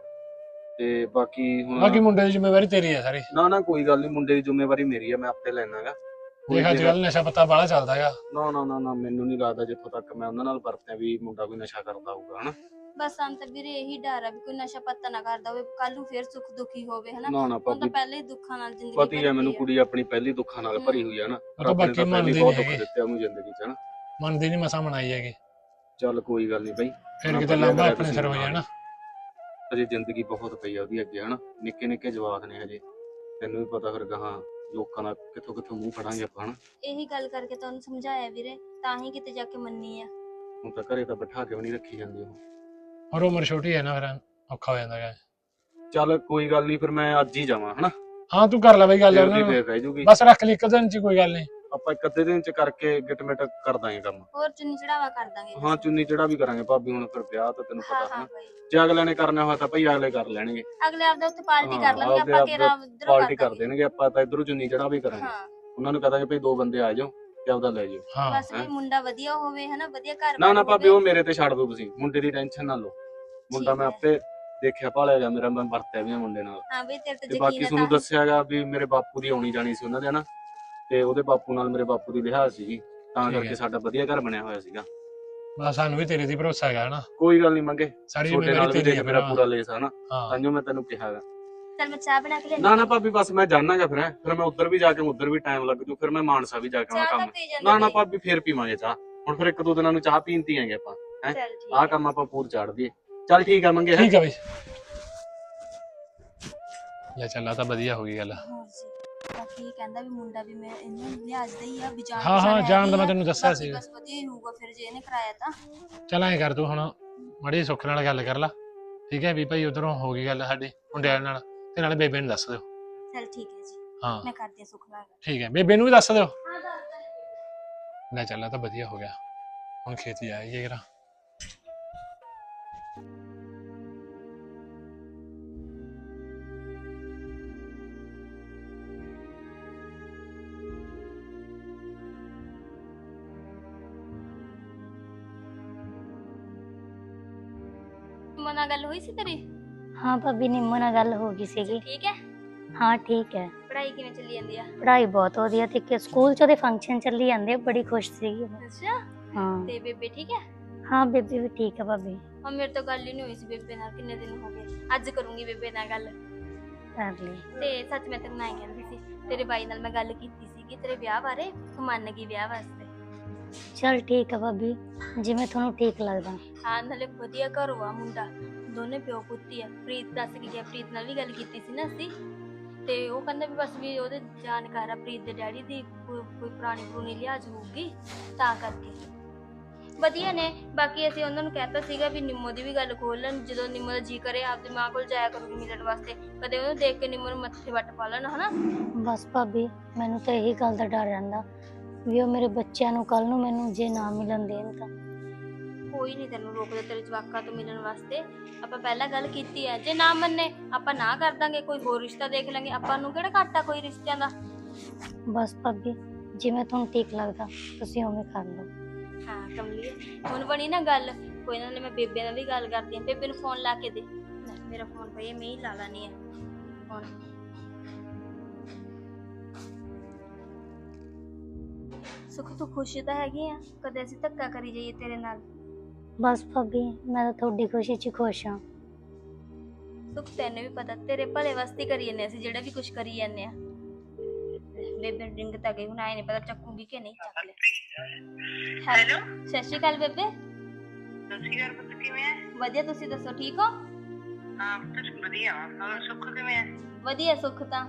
ਤੇ ਬਾਕੀ
ਬਾਕੀ
ਹੁਣ
ਮੁੰਡੇ ਦੀ ਜ਼ਿੰਮੇਵਾਰੀ ਤੇਰੀ ਹੈ ਸਾਰੀ।
ਨਾ ਨਾ ਕੋਈ ਗੱਲ ਨਹੀਂ, ਮੁੰਡੇ ਦੀ ਜ਼ਿੰਮੇਵਾਰੀ ਮੇਰੀ ਆ, ਮੈਂ ਆਪੇ ਲੈਣਾਗਾ।
ਦੇਖ ਅੱਜ ਕੱਲ ਨਸ਼ਾ ਪੱਤਾ ਬਾਹਲਾ ਚੱਲਦਾ ਹੈਗਾ।
ਨਾ ਨਾ ਨਾ ਨਾ ਮੈਨੂੰ ਨਹੀਂ ਲੱਗਦਾ ਜਿੱਥੋਂ ਤੱਕ ਮੈਂ ਉਹਨਾਂ ਨਾਲ ਵਰਤਿਆ ਵੀ ਮੁੰਡਾ ਕੋਈ ਨਸ਼ਾ ਕਰਦਾ ਹੋਊਗਾ ਹਨਾ।
ਬਸ ਸਾਨੂੰ ਤਾਂ ਵੀਰੇ ਇਹੀ ਡਰ ਆ ਵੀ ਕੋਈ ਨਸ਼ਾ ਪੱਤਾ ਨਾ ਕਰਦਾ ਹੋਵੇ, ਕੱਲ ਨੂੰ ਫੇਰ ਸੁੱਖ ਦੁਖੀ ਹੋਵੇ ਹਨਾ।
ਨਾ ਨਾ
ਹੁਣ ਤਾਂ
ਭਾਬੀ,
ਪਹਿਲੇ ਹੀ ਦੁੱਖਾਂ ਨਾਲ ਜ਼ਿੰਦਗੀ
ਪਤੀ ਹੈ
ਭਰੀ
ਮੈਨੂੰ,
ਹੋਈ
ਕੁੜੀ ਆਪਣੀ ਪਹਿਲੀ ਦੁੱਖਾਂ ਨਾਲ ਭਰੀ ਹੋਈ ਆ ਨਾ,
ਉਹ ਤਾਂ
ਰੱਬ ਨੇ
ਬਾਕੀ
ਤਾਂ ਪਹਿਲੀ
ਮੰਨਦੀ
ਬਹੁਤ
ਨਹੀਂ
ਦੁੱਖ
ਹੈਗੀ,
ਦਿੱਤੇ ਉਹਨੂੰ ਜ਼ਿੰਦਗੀ 'ਚ ਹਨਾ।
ਮੰਨਦੀ ਨਹੀਂ, ਮਸਾਂ ਮਨਾਈ ਹੈਗੀ,
ਚੱਲ ਕੋਈ ਗੱਲ ਨਹੀਂ ਬਈ,
ਫਿਰ
ਨਾ
ਕਿਤੇ
ਵਧੀਆ
ਲਾਂਭਾ
ਕਰਿਆ
ਆਪਣੇ
ਤੁਸੀਂ
ਸਿਰ ਹੋ
ਨਾਲ।
ਜਾਣਾ।
ਅਜੇ ਜ਼ਿੰਦਗੀ ਬਹੁਤ ਪਈ ਆ ਉਹਦੀ ਅੱਗੇ ਹਨਾ, ਨਿੱਕੇ ਨਿੱਕੇ ਜਵਾਕ ਨੇ ਹਜੇ, ਤੈਨੂੰ ਵੀ ਪਤਾ ਫਿਰ ਗਾਹਾਂ ਲੋਕਾਂ ਦਾ ਕਿੱਥੋਂ ਕਿੱਥੋਂ ਮੂੰਹ ਫੜਾਂਗੇ ਆਪਾਂ ਹਨਾ।
ਇਹੀ ਗੱਲ ਕਰਕੇ ਤੁਹਾਨੂੰ ਸਮਝਾਇਆ ਵੀਰੇ, ਤਾਂ ਹੀ ਕਿਤੇ ਜਾ ਕੇ ਮੰਨੀ ਆ।
ਹੁਣ ਤਾਂ ਘਰੇ ਤਾਂ ਬਿਠਾ ਕੇ ਵੀ ਨਹੀਂ ਰੱਖੀ ਜਾਂਦੀ ਉਹ।
ਹੋਰ ਉਮਰ ਛੋਟੀ ਹੈ ਨਾ, ਫਿਰ ਔਖਾ ਹੋ ਜਾਂਦਾ ਹੈਗਾ।
ਚੱਲ ਕੋਈ ਗੱਲ ਨਹੀਂ, ਫਿਰ ਮੈਂ ਅੱਜ ਹੀ ਜਾਵਾਂ ਹਨਾ,
ਹਾਂ ਤੂੰ ਕਰ ਲੈ ਬਈ ਗੱਲ
ਫਿਰ
ਉਹਨਾਂ
ਦੀ
ਨੂੰ,
ਫਿਰ ਰਹਿ ਜੂਗੀ।
ਬਸ ਰੱਖ ਲਈ ਇੱਕ ਦਿਨ ਚ, ਕੋਈ ਗੱਲ ਨਹੀਂ।
ਆਪਾਂ ਇੱਕ ਅੱਧੇ ਦਿਨ ਚ ਕਰਕੇ ਗਿਟਮਿਟ ਕਰ ਦਾਂਗੇ ਕੰਮ।
ਹੋਰ ਚੁੰਨੀ ਚੜਾਵਾ ਕਰ ਦਾਂਗੇ।
ਹਾਂ ਚੁੰਨੀ ਚੜਾ ਵੀ ਕਰਾਂਗੇ ਭਾਬੀ, ਹੁਣ ਫਿਰ ਵਿਆਹ ਤਾਂ ਤੈਨੂੰ
ਹਾਂ
ਪਤਾ
ਹਾਂ
ਹਨਾ,
ਬਈ,
ਜੇ ਅਗਲੇ ਨੇ ਕਰਨਾ ਹੋਇਆ ਤਾਂ ਭਈ ਅਗਲੇ ਕਰ ਲੈਣਗੇ,
ਅਗਲੇ ਆਪਦਾ ਉੱਥੇ ਪਾਰਟੀ
ਹਾਂ,
ਕਰ ਲਾਂਗੇ
ਆਪਦੇ
ਆਪਾਂ,
ਆਪਦੇ
ਕਿਹੜਾ ਉਧਰੋਂ
ਪਾਰਟੀ ਕਰ ਦੇਣਗੇ, ਆਪਾਂ ਤਾਂ ਇਧਰੋਂ ਚੁੰਨੀ ਚੜਾ ਵੀ ਕਰਾਂਗੇ।
ਹਾਂ
ਉਹਨਾਂ ਨੂੰ ਕਹਾਂਗੇ ਭਈ ਦੋ ਬੰਦੇ ਆ ਜਾਓ ਤੇ ਆਪਦਾ ਲੈ ਜਾਓ।
ਹਾਂ
ਬਸ ਵੀ ਮੁੰਡਾ ਵਧੀਆ ਹੋਵੇ ਹਨਾ, ਵਧੀਆ ਘਰ
ਨਾ ਨਾ
ਬਾਰ
ਭਾਬੀ,
ਹੋਵੇ।
ਉਹ ਮੇਰੇ ਤੇ ਛੱਡ ਦੋ ਤੁਸੀਂ, ਮੁੰਡੇ ਦੀ ਟੈਨਸ਼ਨ ਨਾ ਲਓ, ਮੁੰਡਾ
ਠੀਕ
ਮੈਂ
ਹੈ।
ਆਪੇ ਦੇਖਿਆ ਭਾਲਿਆ ਗਿਆ, ਮੇਰਾ ਮੈਂ ਵਰਤਿਆ ਵੀ ਆ ਮੁੰਡੇ ਨਾਲ।
ਹਾਂ ਬਈ ਤੇਰੇ ਤੇ
ਤੇ ਬਾਕੀ
ਯਕੀਨ ਹੈ
ਤੁਹਾਨੂੰ
ਤਾਂ।
ਦੱਸਿਆਗਾ ਵੀ ਮੇਰੇ ਬਾਪੂ ਦੀ ਆਉਣੀ ਜਾਣੀ ਸੀ ਉਹਨਾਂ ਦੇ ਹਨਾ, ਤੇ ਉਹਦੇ ਬਾਪੂ ਨਾਲ ਮੇਰੇ ਬਾਪੂ ਦੀ ਲਿਹਾਜ਼ ਸੀਗੀ, ਤਾਂ
ਠੀਕ ਹੈ।
ਕਰਕੇ ਸਾਡਾ ਵਧੀਆ ਘਰ ਬਣਿਆ ਹੋਇਆ ਸੀਗਾ।
ਬਸ ਸਾਨੂੰ ਵੀ ਤੇਰੇ ਤੇ ਭਰੋਸਾ ਹੈਗਾ ਹਨਾ,
ਕੋਈ ਗੱਲ ਨਹੀਂ ਮੰਗੇ,
ਸਾਰੀ
ਤੁਹਾਡੇ ਨਾਲ
ਜ਼ਿੰਮੇਵਾਰੀ
ਵੀ
ਤੇਰੀ
ਦੇਖ
ਹੈ
ਮੇਰਾ
ਭਰਾ।
ਪੂਰਾ ਲੇਸ ਆ ਨਾ,
ਹਾਂ
ਤਾਂਜੋ ਮੈਂ ਤੈਨੂੰ ਕਿਹਾਗਾ।
ਚੱਲ ਮੈਂ ਚਾਹ ਬਣਾ ਕੇ ਲਿਆਂਦੀ।
ਨਾ ਨਾ ਭਾਬੀ, ਬਸ ਮੈਂ ਜਾਣਾਗਾ ਫਿਰ ਫਿਰ ਮੈਂ ਉੱਧਰ ਵੀ ਜਾ ਕੇ ਉੱਧਰ ਵੀ ਟਾਈਮ ਲੱਗ ਜੂ, ਫਿਰ ਮੈਂ ਮਾਨਸਾ ਵੀ ਜਾ ਕੇ ਆਉਣਾ
ਚਾਹ ਤਾਂ
ਕੰਮ।
ਪੀ ਜਾਂਦੇ
ਨਾ ਨਾ
ਬਈ।
ਭਾਬੀ, ਫੇਰ ਪੀਵਾਂਗੇ ਚਾਹ, ਹੁਣ ਫਿਰ ਇੱਕ ਦੋ ਦਿਨਾਂ ਨੂੰ ਚਾਹ ਪੀਂਦੀ ਆਂਗੇ ਆਪਾਂ ਹੈ।
ਚੱਲ ਠੀਕ
ਆਹ
ਹੈ।
ਕੰਮ ਆਪਾਂ ਪੂਰ ਚਾੜ ਦਈਏ। ਚੱਲ ਠੀਕ ਆ ਮੰਗੇ, ਹੈਂ।
ਠੀਕ ਹੈ ਬਈ, ਲੈ ਚੱਲ ਤਾਂ ਵਧੀਆ ਹੋ ਗਈ ਗੱਲ।
ਹੋਰ ਜੀ, ਬਾਕੀ ਇਹ ਕਹਿੰਦਾ ਵੀ ਮੁੰਡਾ ਵੀ ਮੈਂ ਇਹਨੂੰ ਲਿਹਾਜ਼ ਦਾ ਹੀ ਆ, ਵੀ ਜਾਣ
ਹਾਂ ਹਾਂ
ਪਛਾਣ
ਜਾਣ ਦਾ
ਹੈਗੀ
ਮੈਂ
ਆ,
ਤੈਨੂੰ ਦੱਸਿਆ
ਬਾਕੀ
ਸੀ।
ਬਸ ਵਧੀਆ ਹੀ ਹੋਊਗਾ ਫਿਰ ਜੇ ਇਹਨੇ ਕਰਾਇਆ ਤਾਂ।
ਚੱਲ ਐਂ ਕਰ ਤੂੰ ਹੁਣ ਮਾੜੀ ਸੁੱਖ ਨਾਲ ਗੱਲ ਕਰ ਲਾ, ਠੀਕ ਹੈ ਵੀ ਭਾਈ ਉਧਰੋਂ ਹੋ ਗਈ ਗੱਲ ਸਾਡੀ ਮੁੰਡਿਆਂ ਨਾਲ, ਤੇ ਨਾਲੇ ਬੇਬੇ ਨੂੰ ਦੱਸ ਦਿਓ।
ਚੱਲ ਠੀਕ ਹੈ ਜੀ,
ਹਾਂ
ਮੈਂ ਕਰਦੀ ਹਾਂ ਸੁੱਖ ਨਾਲ ਗੱਲ।
ਠੀਕ ਹੈ, ਬੇਬੇ ਨੂੰ ਵੀ ਦੱਸ ਦਿਓ।
ਹਾਂ ਦੱਸ
ਲੈ ਚੱਲ ਤਾਂ ਵਧੀਆ ਹੋ ਗਿਆ, ਹੁਣ ਖੇਤ ਜਾਈਏ ਜਰਾ।
ਨਿੰਮੋ ਨਾਲ ਗੱਲ ਹੋਈ ਸੀ ਤੇਰੀ?
ਹਾਂ ਭਾਬੀ, ਨਿੰਮੋ ਨਾਲ ਗੱਲ ਹੋ ਗਈ ਸੀਗੀ।
ਠੀਕ ਹੈ।
ਹਾਂ ਠੀਕ ਹੈ।
ਪੜ੍ਹਾਈ ਕਿਵੇਂ ਚੱਲੀ ਜਾਂਦੀ ਆ?
ਪੜ੍ਹਾਈ ਬਹੁਤ ਵਧੀਆ ਤੇ ਕਿ ਸਕੂਲ ਚ ਉਹਦੇ ਫੰਕਸ਼ਨ ਚੱਲੀ ਜਾਂਦੇ ਆ, ਬੜੀ ਖੁਸ਼ ਸੀਗੀ ਉਹ।
ਅੱਛਾ।
ਹਾਂ
ਤੇ ਬੇਬੇ ਠੀਕ ਹੈ?
ਹਾਂ ਬੇਬੀ ਵੀ ਠੀਕ ਹੈ ਭਾਬੀ।
ਹਾਂ, ਮੇਰੇ ਤੋਂ ਗੱਲ ਹੀ ਨਹੀਂ ਹੋਈ ਸੀ ਬੇਬੇ ਨਾਲ, ਕਿੰਨੇ ਦਿਨ ਹੋ ਗਏ। ਅੱਜ ਕਰੂੰਗੀ ਬੇਬੇ ਨਾਲ ਗੱਲ।
ਕਰ ਲਈ।
ਤੇ ਸੱਚ ਮੈਂ ਤੈਨੂੰ ਐਂ ਕਹਿੰਦੀ ਸੀ, ਤੇਰੇ ਬਾਈ ਨਾਲ ਮੈਂ ਗੱਲ ਕੀਤੀ ਸੀਗੀ ਤੇਰੇ ਵਿਆਹ ਬਾਰੇ, ਤੂੰ ਮੰਨ ਗਈ ਵਿਆਹ ਵਾਸਤੇ।
ਚਲ ਠੀਕ ਹੈ ਭਾਬੀ, ਜਿਵੇਂ ਤੁਹਾਨੂੰ ਠੀਕ ਲੱਗਦਾ।
ਹਾਂ, ਨਾਲੇ ਵਧੀਆ ਘਰੋਂ ਆ ਮੁੰਡਾ, ਦੋਨੇ ਪਿਓ ਪੁੱਤੀ ਆ। ਪ੍ਰੀਤ ਦੱਸ ਕੇ ਗਿਆ, ਪ੍ਰੀਤ ਨਾਲ ਵੀ ਗੱਲ ਕੀਤੀ ਸੀ ਨਾ ਅਸੀਂ, ਤੇ ਉਹ ਕਹਿੰਦਾ ਵੀ ਬਸ ਵੀ ਉਹਦੇ ਜਾਣਕਾਰ ਆ ਪ੍ਰੀਤ ਦੇ ਡੈਡੀ ਦੀ, ਕੋਈ ਕੋਈ ਪੁਰਾਣੀ ਪੁਰਾਣੀ ਲਿਹਾਜ਼ ਹੋਊਗੀ ਤਾਂ ਕਰਕੇ ਵਧੀਆ ਨੇ। ਬਾਕੀ ਅਸੀਂ ਉਹਨਾਂ ਨੂੰ ਕਹਿਤਾ ਸੀਗਾ ਵੀ ਨਿੰਮੋ ਦੀ ਵੀ ਗੱਲ ਖੋਲ ਲੈਣ, ਜਦੋਂ ਨਿੰਮੋ ਦਾ ਜੀ ਕਰੇ ਆਪਦੀ ਮਾਂ ਕੋਲ ਜਾਇਆ ਕਰੂਗੀ ਮਿਲਣ ਵਾਸਤੇ, ਕਦੇ ਉਹਨੂੰ ਦੇਖ ਕੇ ਨਿੰਮੋ ਨੂੰ ਮੱਥੇ ਵੱਟ ਪਾ ਲੈਣ, ਹਨਾ।
ਬਸ ਭਾਬੀ, ਮੈਨੂੰ ਤਾਂ ਇਹੀ ਗੱਲ ਦਾ ਡਰ ਰਹਿੰਦਾ ਵੀ ਉਹ ਮੇਰੇ ਬੱਚਿਆਂ ਨੂੰ ਕੱਲ ਨੂੰ ਮੈਨੂੰ ਜੇ ਨਾ ਮਿਲਣ ਦੇਣ ਤਾਂ।
ਕੋਈ ਨਹੀਂ ਤੈਨੂੰ ਰੋਕਦਾ ਤੇਰੇ ਜਵਾਕਾਂ ਤੋਂ ਮਿਲਣ ਵਾਸਤੇ। ਆਪਾਂ ਪਹਿਲਾਂ ਗੱਲ ਕੀਤੀ ਹੈ, ਜੇ ਨਾ ਮੰਨੇ ਆਪਾਂ ਨਾ ਕਰ ਦਾਂਗੇ, ਕੋਈ ਹੋਰ ਰਿਸ਼ਤਾ ਦੇਖ ਲਾਂਗੇ, ਆਪਾਂ ਨੂੰ ਕਿਹੜਾ ਘਾਟਾ ਕੋਈ ਰਿਸ਼ਤਿਆਂ ਦਾ।
ਬਸ ਭਾਬੀ, ਜਿਵੇਂ ਤੁਹਾਨੂੰ ਠੀਕ ਲੱਗਦਾ ਤੁਸੀਂ ਉਵੇਂ ਕਰ ਲਓ।
ਹਾਂ ਕਮਲੀਏ, ਹੁਣ ਬਣੀ ਨਾ ਗੱਲ, ਕੋਈ ਨਾ ਮੈਂ ਬੇਬੇ ਨਾਲ ਵੀ ਗੱਲ ਕਰਦੀ ਹਾਂ। ਬੇਬੇ ਨੂੰ ਫੋਨ ਲਾ ਕੇ ਦੇ। ਲੈ, ਮੇਰਾ ਫੋਨ ਪਈ, ਮੈਂ ਹੀ ਲਾ ਲਾਣੀ ਹੈ ਫੋਨ। ਸੁਖ ਤੂੰ ਖੁਸ਼ ਤਾਂ ਹੈਗੀ ਆ? ਕਦੇ ਅਸੀਂ ਧੱਕਾ ਕਰੀ ਜਾਈਏ ਤੇਰੇ ਨਾਲ?
ਬਸ ਭਾਬੀ, ਮੈਂ ਤਾਂ ਤੁਹਾਡੀ ਖੁਸ਼ੀ 'ਚ ਖੁਸ਼ ਹਾਂ।
ਸੁਖ ਤੈਨੂੰ ਵੀ ਪਤਾ ਤੇਰੇ ਭਲੇ ਵਾਸਤੇ ਕਰੀ ਜਾਂਦੇ ਅਸੀਂ, ਜਿਹੜਾ ਵੀ ਕੁਝ ਕਰੀ ਜਾਂਦੇ ਆ। ਬੇਬੇ ਰਿੰਗ ਤਾਂ ਗਈ, ਹੁਣ ਆਏ ਨਹੀਂ ਪਤਾ ਚੱਕੂਗੀ ਕਿ ਨਹੀਂ। ਚੱਕ ਲੈ। ਹੈਲੋ, ਸਤਿ ਸ਼੍ਰੀ ਅਕਾਲ ਬੇਬੇ।
ਸਤਿ ਸ਼੍ਰੀ ਅਕਾਲ ਪੁੱਤ, ਕਿਵੇਂ ਹੈ?
ਵਧੀਆ, ਤੁਸੀਂ ਦੱਸੋ ਠੀਕ ਹੋ?
ਹਾਂ ਪੁੱਤ ਵਧੀਆ। ਹੋਰ ਸੁੱਖ ਕਿਵੇਂ ਹੈ?
ਵਧੀਆ ਸੁੱਖ ਤਾਂ।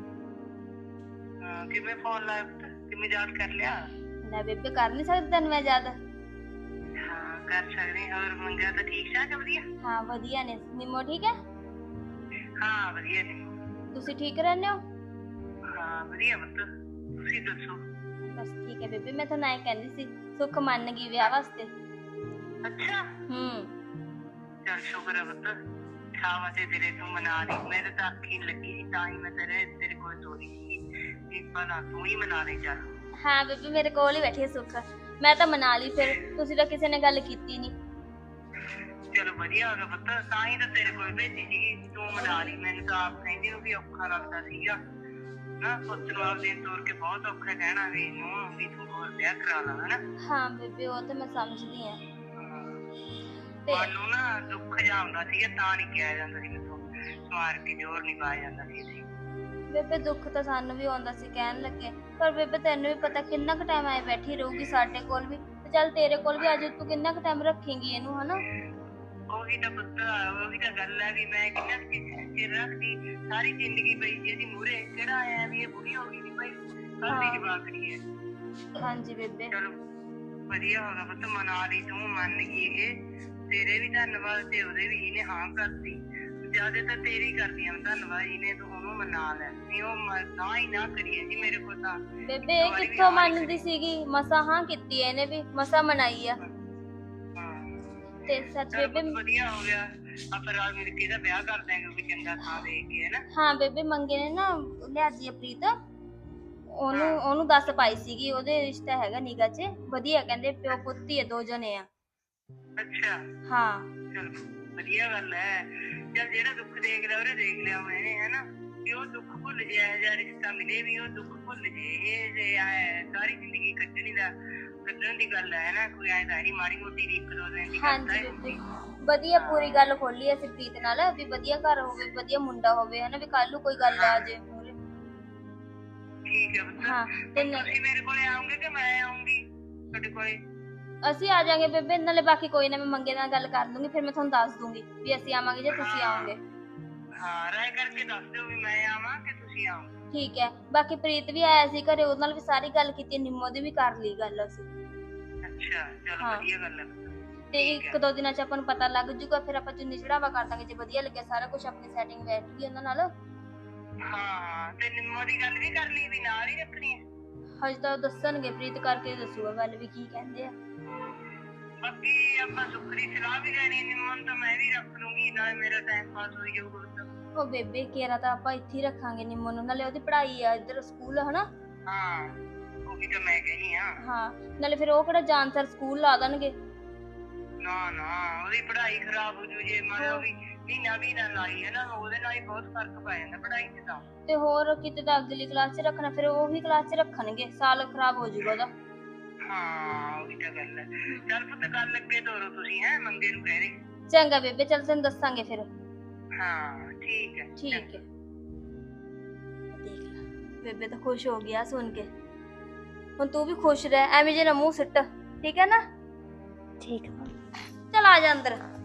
ਹਾਂ, ਕਿਵੇਂ ਫੋਨ ਲਾਇਆ ਪੁੱਤ, ਕਿਵੇਂ ਯਾਦ ਕਰ ਲਿਆ?
ਲੈ ਬੇਬੇ, ਕਰ ਨਹੀਂ ਸਕਦੀ ਤੈਨੂੰ ਮੈਂ ਯਾਦ?
ਹਾਂ ਕਰ ਸਕਦੇ। ਹੋਰ ਮੰਗਿਆ ਤਾਂ ਠੀਕ ਠਾਕ ਵਧੀਆ?
ਹਾਂ ਵਧੀਆ ਨੇ। ਨਿੰਮੋ ਠੀਕ ਹੈ?
ਹਾਂ ਵਧੀਆ ਨੇ।
ਤੁਸੀਂ ਠੀਕ ਰਹਿੰਦੇ ਹੋ?
ਹਾਂ ਵਧੀਆ ਪੁੱਤ, ਤੁਸੀਂ ਦੱਸੋ?
ਬਸ ਠੀਕ ਹੈ ਬੇਬੇ, ਮੈਂ ਤੁਹਾਨੂੰ ਐਂ ਕਹਿੰਦੀ ਸੀ, ਸੁੱਖ ਮੰਨ ਗਈ ਵਿਆਹ ਵਾਸਤੇ।
ਅੱਛਾ।
ਹੂੰ।
ਚੱਲ ਸ਼ੁਕਰ ਹੈ ਪੁੱਤ, ਸ਼ਾਬਾਸ਼ ਏ ਤੇਰੇ, ਤੂੰ ਮਨਾ ਲਈ। ਮੇਰੇ ਤਾਂ ਅੱਖੀ ਲੱਗੀ ਸੀ, ਤਾਂ ਹੀ ਮੈਂ ਤੇਰੇ ਤੇਰੇ ਕੋਲ ਤੋਰੀ ਸੀ ਵੀ ਭਲਾ ਤੂੰ ਹੀ ਮਨਾ ਲਈ। ਚੱਲ
ਹਾਂ ਬੇਬੇ, ਮੇਰੇ ਕੋਲ ਹੀ ਬੈਠੀ ਹੈ ਸੁੱਖ, ਮੈਂ ਤਾਂ ਮਨਾ ਲਈ ਫਿਰ। ਤੁਸੀਂ ਤਾਂ ਕਿਸੇ ਨੇ ਗੱਲ ਕੀਤੀ ਨਹੀਂ।
ਚਲੋ ਵਧੀਆ ਹੋ ਗਿਆ ਪੁੱਤ, ਤਾਂ ਹੀ ਤਾਂ ਤੇਰੇ ਕੋਲ ਭੇਜੀ ਸੀਗੀ, ਤੂੰ ਮਨਾ ਲਈ। ਮੈਨੂੰ ਤਾਂ ਆਪ ਕਹਿੰਦੀ ਨੂੰ ਵੀ ਔਖਾ ਲੱਗਦਾ ਸੀਗਾ ਨਾ, ਪੁੱਤ ਨੂੰ ਆਪ ਦਿਨ ਤੋਰ ਕੇ ਬਹੁਤ ਔਖਾ ਕਹਿਣਾ ਵੀ ਨੂੰ ਵੀ ਤੂੰ ਹੋਰ ਵਿਆਹ ਕਰਾ ਲਾ, ਹਨਾ।
ਹਾਂ ਬੇਬੇ, ਉਹ ਤਾਂ ਮੈਂ ਸਮਝਦੀ ਹਾਂ। ਤੇ
ਮਨ ਨੂੰ ਨਾ ਦੁੱਖ ਜਾਂਦਾ ਸੀਗਾ, ਤਾਂ ਨਹੀਂ ਕਿਹਾ ਜਾਂਦਾ ਸੀ ਮੈਥੋਂ, ਸਮਾਰ ਕੇ ਜ਼ੋਰ ਨਹੀਂ ਪਾਇਆ ਜਾਂਦਾ ਸੀ ਇੱਥੇ।
ਬੇਬੇ ਦੁੱਖ ਤਾਂ ਸਾਨੂੰ ਵੀ ਆਉਂਦਾ ਸੀ ਕਹਿਣ ਲੱਗੇ, ਪਰ ਬੇਬੇ ਤੈਨੂੰ ਵੀ ਪਤਾ ਕਿੰਨਾ ਕੁ ਟਾਈਮ ਆਏ ਬੈਠੀ ਰਹੂਗੀ ਸਾਡੇ ਕੋਲ ਵੀ, ਤੇ ਚੱਲ ਤੇਰੇ ਕੋਲ ਵੀ ਅੱਜ ਤੂੰ ਕਿੰਨਾ ਕੁ ਟਾਈਮ ਰੱਖੇਂਗੀ ਇਹਨੂੰ, ਹਨਾ।
ਉਹੀ ਤਾਂ ਪੁੱਤ, ਉਹੀ ਤਾਂ ਗੱਲ ਹੈ ਵੀ ਮੈਂ ਕਿੰਨਾ ਚਿਰ ਰੱਖਦੀ, ਸਾਰੀ ਜ਼ਿੰਦਗੀ ਪਈ ਸੀ ਇਹਦੀ ਮੂਹਰੇ, ਕਿਹੜਾ ਆਇਆ ਵੀ ਇਹ ਬੁਰੀ ਹੋ ਗਈ ਨਹੀਂ ਭਾਈ, ਕਾਹਦੀ ਜਵਾਕੜੀ ਹੈ।
ਹਾਂਜੀ ਬੇਬੇ।
ਚਲੋ ਵਧੀਆ ਹੋ ਗਿਆ ਪੁੱਤ, ਮਨਾ ਲਈ ਤੂੰ, ਮੰਨ ਗਈ ਇਹ। ਤੇਰੇ ਵੀ ਧੰਨਵਾਦ ਤੇ ਉਹਦੇ ਵੀ, ਇਹਨੇ ਹਾਂ ਕਰਤੀ। ਜਿਆਦਾ ਤਾਂ ਤੇਰੀ ਕਰਦੀ ਆ ਧੰਨਵਾਦ, ਇਹਨੇ ਤੂੰ ਉਹਨੂੰ ਮਨਾ ਲੈ, ਨਹੀਂ ਉਹ ਨਾ ਹੀ ਨਾ ਕਰੀਏ ਜੀ ਮੇਰੇ ਕੋਲ ਤਾਂ।
ਬੇਬੇ ਇਹ ਕਿੱਥੋਂ ਮੰਨਦੀ ਸੀਗੀ, ਮਸਾ ਹਾਂ ਕੀਤੀ ਇਹਨੇ ਵੀ, ਮਸਾ ਮਨਾਈ ਆ। ਤੇ ਸੱਚ ਬੇਬੇ
ਵਧੀਆ ਹੋ ਗਿਆ, ਆਪਾਂ ਰਾਤ ਮਿਲ ਕੇ ਇਹਦਾ ਵਿਆਹ ਕਰ ਦਾਂਗੇ ਕੋਈ ਚੰਗਾ ਥਾਂ ਦੇਖ ਕੇ, ਹੈ ਨਾ।
ਹਾਂ ਬੇਬੇ, ਮੰਗੇ ਨੇ ਨਾ ਲਿਆਜੀ ਆ ਪ੍ਰੀਤ, ਉਹਨੂੰ ਉਹਨੂੰ ਦੱਸ ਪਾਈ ਸੀਗੀ, ਉਹਦੇ ਰਿਸ਼ਤਾ ਹੈਗਾ ਨਿਗਾ ਚ ਵਧੀਆ, ਕਹਿੰਦੇ ਪਿਓ ਪੁੱਤੀ ਹੈ, ਦੋ ਜਣੇ ਆ।
ਅੱਛਾ।
ਹਾਂ
ਚਲੋ ਵਧੀਆ ਗੱਲ ਹੈ। ਚੱਲ ਜਿਹੜਾ ਦੁੱਖ ਦੇਖ ਲਿਆ ਉਹਨੇ ਦੇਖ ਲਿਆ ਮੈਨੇ, ਹੈ ਨਾ, ਵੀ ਉਹ ਦੁੱਖ ਭੁੱਲ ਜੇ, ਇਹੋ ਜਿਹਾ ਰਿਸ਼ਤਾ ਮਿਲੇ ਵੀ ਉਹ ਦੁੱਖ ਭੁੱਲ ਜੇ। ਇਹ ਜੇ ਆਏ ਸਾਰੀ ਜ਼ਿੰਦਗੀ ਕੱਢਣੀ ਦਾ ਕੱਢਣ ਦੀ ਗੱਲ ਹੈ ਨਾ, ਕੋਈ ਐਂ ਤਾਂ ਨਹੀਂ ਮਾੜੀ ਮੋਟੀ ਦੀ ਇੱਕ ਦੋ ਦਿਨ ਦੀ ਗੱਲ
ਹਾਂਜੀ
ਹੈ।
ਬੇਬੇ, ਵਧੀਆ ਪੂਰੀ ਗੱਲ ਖੋਲੀ ਅਸੀਂ ਪ੍ਰੀਤ ਨਾਲ ਵੀ ਵਧੀਆ ਘਰ ਹੋਵੇ, ਵਧੀਆ ਮੁੰਡਾ ਹੋਵੇ, ਹਨਾ, ਵੀ ਕੱਲ ਨੂੰ ਕੋਈ ਗੱਲ ਆ ਜੇ ਮੂਹਰੇ।
ਠੀਕ ਹੈ ਪੁੱਤ।
ਹਾਂ ਤੇ
ਤੁਸੀਂ ਮੇਰੇ ਕੋਲੇ ਆਉਂਗੇ ਕਿ ਮੈਂ ਆਉਂਗੀ ਤੁਹਾਡੇ ਕੋਲੇ?
ਅਸੀਂ ਆ ਜਾਾਂਗੇ ਬੇਬੇ, ਨਾਲੇ ਬਾਕੀ ਕੋਈ ਨਾ ਮੈਂ ਮੰਗੇ ਨਾਲ ਗੱਲ ਕਰ ਦੂੰਗੀ, ਫਿਰ ਮੈਂ ਤੁਹਾਨੂੰ ਦੱਸ ਦੂੰਗੀ ਵੀ ਅਸੀਂ ਆਵਾਂਗੇ ਜੇ ਤੁਸੀਂ ਆਓਗੇ।
ਹਾਂ ਰਾਏ ਕਰਕੇ ਦੱਸ ਦਿਓ ਵੀ ਮੈਂ ਆਵਾਂ ਕਿ ਤੁਸੀਂ ਆਓ।
ਠੀਕ ਹੈ। ਬਾਕੀ ਪ੍ਰੀਤ ਵੀ ਆਇਆ ਸੀ ਘਰੇ, ਉਹਦੇ ਨਾਲ ਵੀ ਸਾਰੀ ਗੱਲ ਕੀਤੀ, ਨਿੰਮੋ ਦੀ ਵੀ ਕਰ ਲਈ ਗੱਲ ਅਸੀਂ।
ਅੱਛਾ ਚਲੋ ਵਧੀਆ ਗੱਲ ਹੈ।
ਤੇ ਇੱਕ ਦੋ ਦਿਨਾਂ ਚ ਆਪਾਂ ਨੂੰ ਪਤਾ ਲੱਗ ਜੂਗਾ, ਫਿਰ ਆਪਾਂ ਚੁੰਨੀ ਚੜਾਵਾ ਕਰ ਦਾਂਗੇ, ਜੇ ਵਧੀਆ ਲੱਗਿਆ ਸਾਰਾ ਕੁਝ ਆਪਣੀ ਸੈਟਿੰਗ ਬੈਠ ਗਈ ਉਹਨਾਂ ਨਾਲ।
ਹਾਂ ਤੇ ਨਿੰਮੋ ਦੀ ਗੱਲ ਵੀ ਕਰ ਲਈ ਵੀ ਨਾਲ ਹੀ ਰੱਖਣੀ ਹੈ?
ਹਜੇ ਤਾਂ ਦੱਸਣਗੇ, ਪ੍ਰੀਤ ਕਰਕੇ ਦੱਸੂਗਾ ਗੱਲ ਵੀ ਕੀ ਕਹਿੰਦੇ ਆ।
ਬਾਕੀ ਆਪਾਂ ਸੁੱਖ ਦੀ ਸਲਾਹ ਵੀ ਲੈਣੀ, ਨਿੰਮੋ ਨੂੰ ਤਾਂ ਮੈਂ ਵੀ ਰੱਖ ਲੂੰਗੀ, ਨਾਲੇ ਮੇਰਾ ਟਾਈਮ ਪਾਸ ਹੋਈ ਜਾਊਗਾ।
ਉਹ ਬੇਬੇ ਕੇਰਾ ਤਾਂ ਆਪਾਂ ਇੱਥੇ ਹੀ ਰੱਖਾਂਗੇ ਨਿੰਮੋ ਨੂੰ, ਨਾਲੇ ਉਹਦੀ ਪੜ੍ਹਾਈ ਆ ਇੱਧਰ ਸਕੂਲ, ਹਨਾ।
ਹਾਂ ਉਹੀ ਤਾਂ ਮੈਂ ਕਹਿਨੀ ਆ।
ਹਾਂ ਨਾਲੇ ਫਿਰ ਉਹ ਕਿਹੜਾ ਜਾਨਸਰ ਸਕੂਲ ਲਾ ਦੇਣਗੇ।
ਨਾ ਨਾ ਉਹਦੀ ਪੜ੍ਹਾਈ ਖਰਾਬ ਹੋ ਜੂ ਜੇ ਮੰਨ ਲਓ ਵੀ ਮਹੀਨਾ ਮਹੀਨਾ ਲਾਈ ਹੈ ਨਾ, ਉਹਦੇ ਨਾਲ ਹੀ ਬਹੁਤ ਫਰਕ ਪੈ ਜਾਂਦਾ ਪੜ੍ਹਾਈ 'ਚ ਤਾਂ।
ਤੇ ਹੋਰ ਕਿਤੇ ਤਾਂ ਅਗਲੀ ਕਲਾਸ 'ਚ ਰੱਖਣਾ, ਫਿਰ ਉਹੀ ਕਲਾਸ 'ਚ ਰੱਖਣਗੇ, ਸਾਲ ਖਰਾਬ ਹੋ ਜਾਊਗਾ ਉਹਦਾ।
ਹਾਂ ਉਹੀ ਤਾਂ ਗੱਲ ਹੈ। ਚੱਲ ਪੁੱਤ ਕੱਲ ਅੱਗੇ ਤੋਰੋ ਤੁਸੀਂ, ਹੈ ਮੰਗੇ ਨੂੰ ਕਹਿ ਦੇ।
ਚੰਗਾ ਬੇਬੇ, ਚੱਲ ਤੈਨੂੰ ਦੱਸਾਂਗੇ ਫਿਰ।
ਹਾਂ ਠੀਕ ਹੈ
ਠੀਕ ਹੈ। ਦੇਖ ਲੈ, ਬੇਬੇ ਤਾਂ ਖੁਸ਼ ਹੋ ਗਿਆ ਸੁਣ ਕੇ। ਹੁਣ ਤੂੰ ਵੀ ਖੁਸ਼ ਰਹਿ, ਐਵੇਂ ਜੇ ਨਾ ਮੂੰਹ ਸਿੱਟ, ਠੀਕ ਹੈ ਨਾ?
ਠੀਕ ਆ।
ਚਲ ਆ ਜਾ ਅੰਦਰ।